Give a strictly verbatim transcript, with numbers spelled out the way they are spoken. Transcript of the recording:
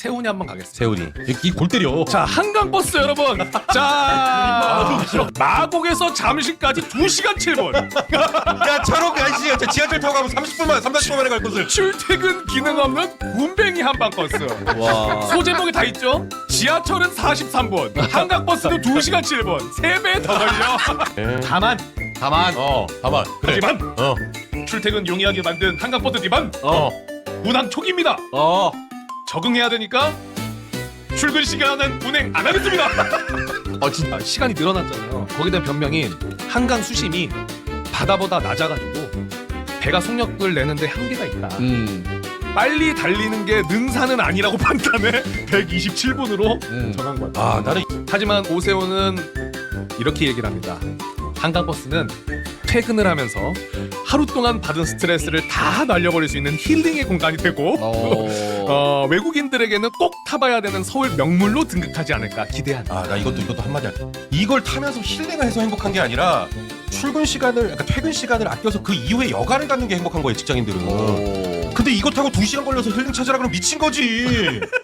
세훈이 한번 가겠습니다. 세훈이 이 골 때려. 자, 한강버스 여러분. 자, 마곡에서 잠실까지 두 시간 칠 분. 야 저렇게 아저씨 야, 지하철 타고 가면 삼십 분만 삼사십 분 만에 갈 곳을. 출퇴근 기능 없는 군뱅이 한방버스. 와. 소제목이 다 있죠? 지하철은 사십삼 분, 한강버스는 두 시간 칠 분. 세 배 더 걸려. 다만, 다만, 어 다만 그래. 하지만 어. 출퇴근 용이하게 만든 한강버스 디반 어. 운항 초기입니다. 어. 적응해야 되니까 출근 시간은 운행 안 하겠습니다. 어 진짜. 아, 시간이 늘어났잖아요. 거기에 대한 변명이 한강 수심이 바다보다 낮아가지고 배가 속력을 내는데 한계가 있다. 음. 빨리 달리는 게 능사는 아니라고 판단해 백이십칠 분으로 음. 정한 거야. 아 나는 하지만 오세훈은 이렇게 얘기를 합니다. 한강버스는 퇴근을 하면서 하루 동안 받은 스트레스를 다 날려버릴 수 있는 힐링의 공간이 되고 어. 어, 외국인들에게는 꼭 타봐야 되는 서울 명물로 등극하지 않을까 기대한다. 아 나 이것도 이것도 한마디 할게. 이걸 타면서 힐링을 해서 행복한 게 아니라 출근 시간을 그러니까 퇴근 시간을 아껴서 그 이후에 여가를 갖는 게 행복한 거예요 직장인들은. 근데 이거 타고 두 시간 걸려서 힐링 찾으라 그러면 미친 거지.